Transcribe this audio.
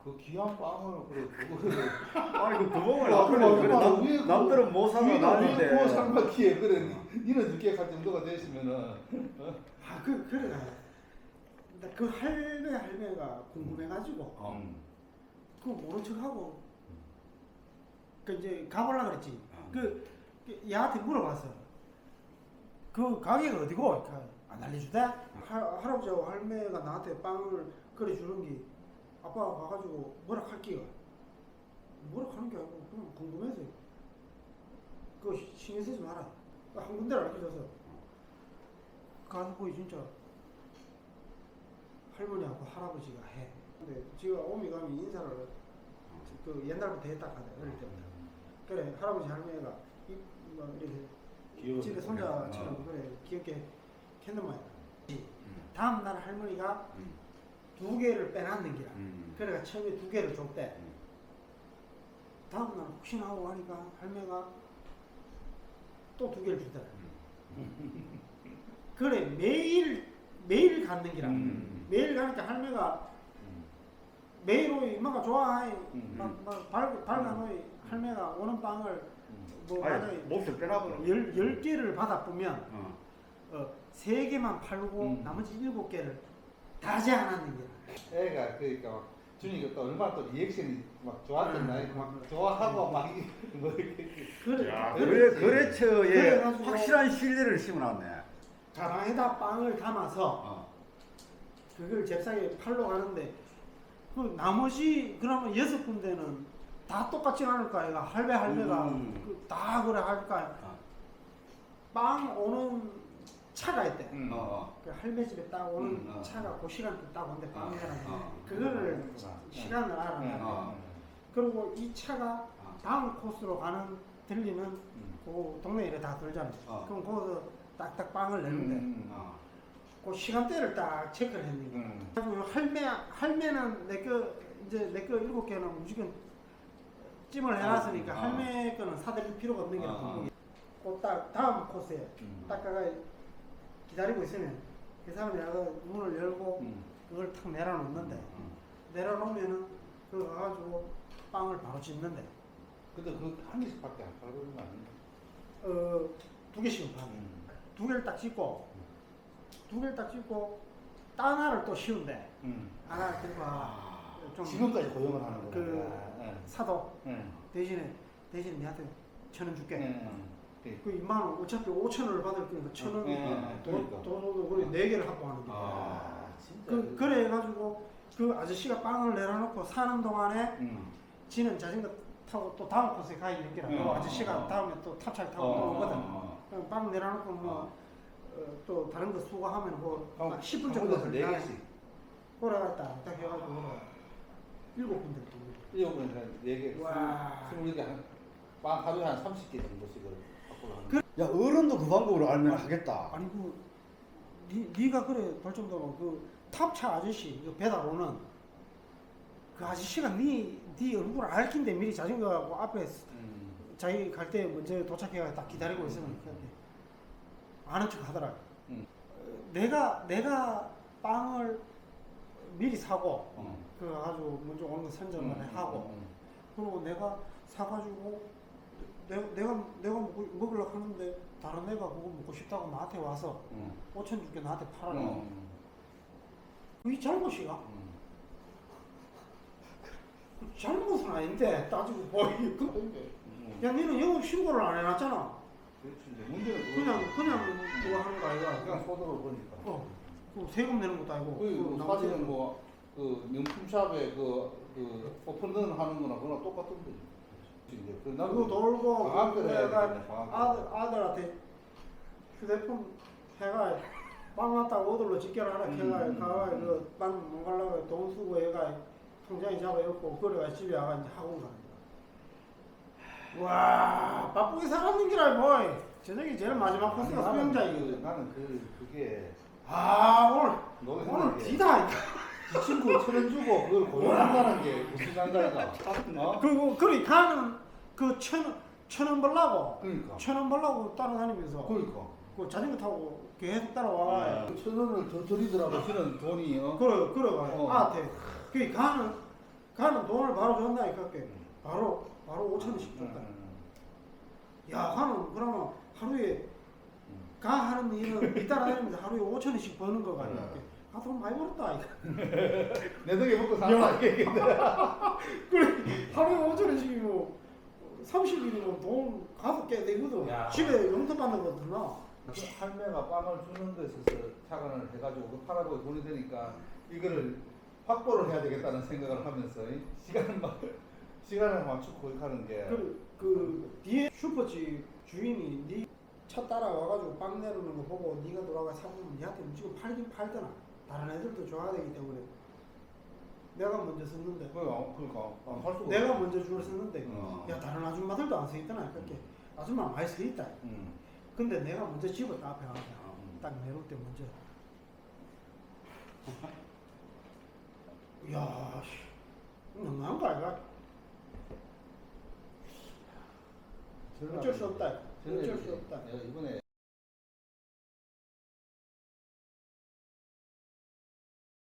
그 귀한 빵을 그래 그거를 아니 그 구멍을 야, 앞으로 그래 위에 그- 남들은 못 사가 위에 나는데. 구워 삶았기에 그래 니는 늦게 갈 정도가 됐으면은 아 그래가 그 할매가 궁금해가지고 그거 모른 척하고 그 이제 가보려 그랬지. 그 얘한테 물어봤어. 그 가게가 어디고? 안 알려주대? 할아버지하고 할매가 나한테 빵을 끓여주는 게 아빠가 가가지고 뭐라 할게요. 뭐라 하는 게 아니고 그냥 궁금해서 그거 신경 쓰지 마라. 한 군데를 알려줘서 가서 보이 진짜 할머니하고 할아버지가 해. 근데 지금 오미 가면 인사를 그 옛날부터 했다 하대 어릴 때부터. 그래 할아버지 할머니가 뭐 이렇게 집에 손자처럼 그래 귀엽게 했는 모양. 다음 날 할머니가 2개를 빼놨는 기라. 그래가 처음에 2개를 줬대. 다음 날 혹시나 하고 하니까 할매가 또 2개를 주더라. 그래 매일 갖는 기라. 매일 가니까 할매가 매일 오이 이마가 좋아해. 막 발간오이 할매가 오는 빵을 뭐 아니 몹시 빼놔버려. 10개를 받아보면 3개만 팔고 나머지 7개를 다 제한하는 거야. 애가 그러니까 막 준이가 또 얼마나 또 리액션이 막 좋았던 나이 막 좋아하고 막 뭐 이렇게 그래. 야, 그래. 거래처에 그래가지고 확실한 신뢰를 심어놨네. 자랑에다 빵을 담아서 그걸 잽싸게 팔러 가는데 그 나머지 그러면 6군데는 다 똑같지 않을까? 얘가 할매가 다 그래 할까? 빵 오는 차가 있대. 그 할매 집에 딱 오는 차가 그 시간대 딱 오는데 빵이라는 그거를 시간을 알아. 그리고 이 차가 다음 코스로 들리는 그 동네에 다 돌잖아. 그럼 거기서 딱딱 빵을 내는데 그 시간대를 딱 체크를 했는 거야. 할매는 내 거 7개는 무조건 찜을 해놨으니까 할매 거는 사드릴 필요가 없는 게 딱 다음 코스에 딱 가가 기다리고 있으면 그 사람이 나가 문을 열고 그걸 탁 내려놓는데 내려놓으면은 그거 가가지고 빵을 바로 짓는데 근데 그 한 개씩밖에 안 팔고 있는 거 아니야? 2개씩은 파네. 2개를 딱 짓고 2개를 딱 짓고 하나를 또 씌운대. 하나 들고 좀 지금까지 고용을 하는 거야. 그 사도 대신에 니한테 1,000원 줄게. 그 2만 원 어차피 5,000원을 받을 거니까 1,000원 돈 그래 4개를 확보하는 거야. 진짜. 그래 해가지고 그 아저씨가 빵을 내려놓고 사는 동안에 지는 자전거 타고 또 다음 코스에 가 있는 게라. 그 아저씨가 다음에 또 탑차를 타고 또 오거든. 그럼 빵 내려놓고 뭐 또 다른 거 수거하면 뭐 10분 정도 걸려. 그래 갔다 딱 해가지고 7군데 또. 7군데 4개. 와. 20개 빵 하루에 한 30개 정도씩을 갖고 하는. 야 어른도 그 방법으로 알면 하겠다. 아니 네가 그래 볼 정도로 그 탑차 아저씨 그 배달 오는 그 아저씨가 네 얼굴을 알긴데 미리 자전거하고 앞에 자기 갈 때 먼저 도착해가 딱 기다리고 있으면 아는 척 하더라. 내가 빵을 미리 사고 그 가지고 먼저 오는 거 선점을 하고 그리고 내가 사가지고 내가 먹으려고 하는데 다른 애가 그거 먹고 싶다고 나한테 와서 5천 줄게 나한테 팔아라. 그게 잘못이야? 잘못은 아닌데 따지고 보이. 야 니는 영업 신고를 안 해놨잖아. 그렇지. 문제는 그냥 그거 하는 거 아이가. 그냥 소득을 보니까. 그 세금 내는 것도 아니고. 그 사실은 뭐 그 명품샵에 그 오픈런 하는 거나 그거랑 똑같은데. 그거 돌고 방학을 해야 되겠네, 아들한테 휴대폰 해가 빵 왔다고 어들로 직결하라 해가 가가 그빵 못 가려고 돈 쓰고 해가 통장에 잡아 엮고 그래가 집에 와가 이제 학원 가는 거야. 와 바쁘게 살았는 기라 뭐 저녁에 제일 마지막 코스가 수영장이거든. 나는 그게 오늘 디다. 이 친구 1,000원 주고 그걸 고용한다는 게 무슨 상관이다. 그리고 그리 가는 그 1,000원 벌라고. 그러니까. 1,000원 벌라고 따라다니면서. 그러니까. 그 자전거 타고 계속 따라와. 1,000원을 더 드리더라도 저는 돈이 그래. 아한테 그 가는 가는 돈을 바로 줬나니까 바로 5천원씩 줬다. 야, 가는 그러면 하루에 가 하는 일은 잇따라다니면서 하루에 5천원씩 버는 거가 아니야. 아, 돈 많이 벌었다. 이거. 내 덕에 먹고 산다. 그래, 하루에 5천원씩이면 30일이면 돈 5개 내거든. 야. 집에 용돈 받는 거 드나? 그 할매가 빵을 주는 데 있어서 착안을 해가지고 그 팔아보고 돈이 되니까 이거를 확보를 해야 되겠다는 생각을 하면서 시간을 맞추고 거기 가는 게 그 뒤에 슈퍼집 주인이 네 차 따라와가지고 빵 내려오는 거 보고 네가 돌아가 사보면 니한테 무조건 팔긴 팔더나. 다른 애들도 좋아야 되기 때문에 내가 먼저 썼는데 그러니까 할 수가 내가 없어. 먼저 줄을 썼는데 야, 다른 아줌마들도 안 서있더나. 그렇게 아줌마 많이 서있다. 근데 내가 먼저 집었다. 앞에 가서 딱 내려올 때 먼저 야, 너무한 거 아이가? 어쩔 수 없다. 어쩔 수 없다. 내가 이번에